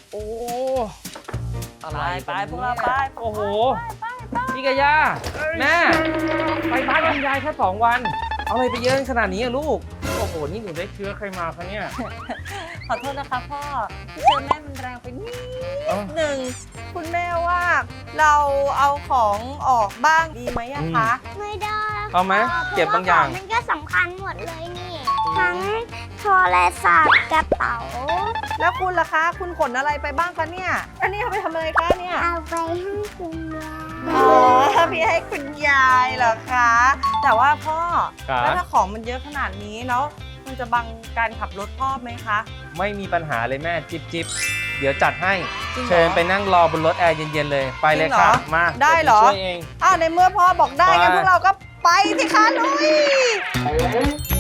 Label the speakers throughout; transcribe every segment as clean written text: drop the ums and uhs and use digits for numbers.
Speaker 1: โอ้อะไร
Speaker 2: ไปพวกเราไป
Speaker 1: โอ้โหพี่กะยาแม่ไปบ้านคุณยายแค่2 วันเอาอะไรไปเยอะขนาดนี้อะลูกโอ้โหนี่หนูได้เชื้อใครมาคะเนี่ย
Speaker 2: ขอโทษนะคะพ่อที่เจอแม่มันแรงไปนิดหนึ่งคุณแม่ว่าเราเอาของออกบ้างดีไหมอะคะ
Speaker 3: ไม่ได้
Speaker 1: เอาไหมเก็บบางอย่าง
Speaker 3: มันก็สำคัญหมดเลยนี่ ทั้งโทรศัพท์กระเป๋า
Speaker 2: แล้วคุณล่ะคะ คุณขนอะไรไปบ้างคะเนี่ย อันนี้เอาไปทำอะไรคะเนี่ย
Speaker 3: เอาไปให้คุณยาย
Speaker 2: อ๋อพี่ให้คุณยายเหรอคะ แต่ว่าพ่อ
Speaker 1: ครับ
Speaker 2: แล้วถ้าของมันเยอะขนาดนี้แล้วมันจะบังการขับรถพ่อไหมคะ
Speaker 1: ไม่มีปัญหาเลยแม่จิ๊บเดี๋ยวจัดให้
Speaker 2: จริงเหรอ
Speaker 1: เชิญไปนั่งรอบนรถแอร์เย็นๆเลยไปเลยค่ะ
Speaker 2: จริงเหรอ
Speaker 1: มา
Speaker 2: ได้เหรอ
Speaker 1: ดี๋ยวช่วยเอง
Speaker 2: ในเมื่อพ่อบอกได้งั้น
Speaker 1: ไป
Speaker 2: พวกเราก็ไปสิคะลุย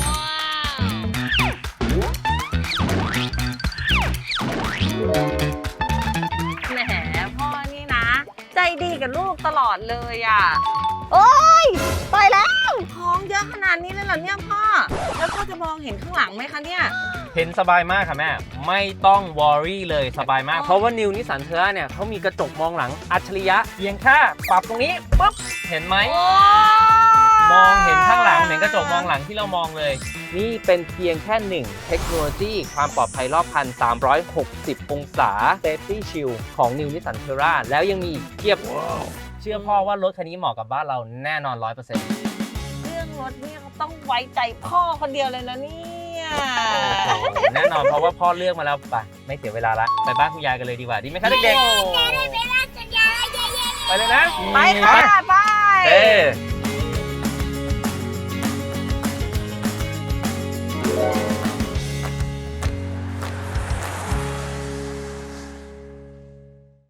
Speaker 2: แหมพ่อนี่นะ ใจดีกับลูกตลอดเลยอ่ะ โอ๊ยไปแล้วของเยอะขนาดนี้เลยเหรอเนี่ยพ่อ แล้วพ่อจะมองเห็นข้างหลังไหมคะเนี่ย
Speaker 1: เห็นสบายมากค่ะแม่ไม่ต้องวอรี่เลยสบายมาก
Speaker 2: อ๋อ
Speaker 1: เพราะว่านิวนิสสันเทอร่าเนี่ยเขามีกระจกมองหลังอัจฉริยะเพียงแค่ปรับตรงนี้ปุ๊บเห็นไหม มองเห็นข้างหลังเหมือนกระจกมองหลังที่เรามองเลย นี่เป็นเพียงแค่หนึ่งเทคโนโลยีความปลอดภัยรอบคัน 360 องศา Safety Shield ของ New Nissan Terra แล้วยังมีอีกเทียบ เชื่อพ่อว่ารถคันนี้เหมาะกับบ้านเราแน่นอน 100%
Speaker 2: เรื่องรถเนี่ยเขาต้องไว้ใจพ่อคนเดียวเลยนะเนี่ย
Speaker 1: แน่นอนเพราะว่าพ่อเลือกมาแล้วไปไม่เสียเวลาละไปบ้านคุณยายกันเลยดีกว่าดีไหมคะเด็กๆไปเลยนะ
Speaker 2: ไปค่ะไป
Speaker 1: เอ้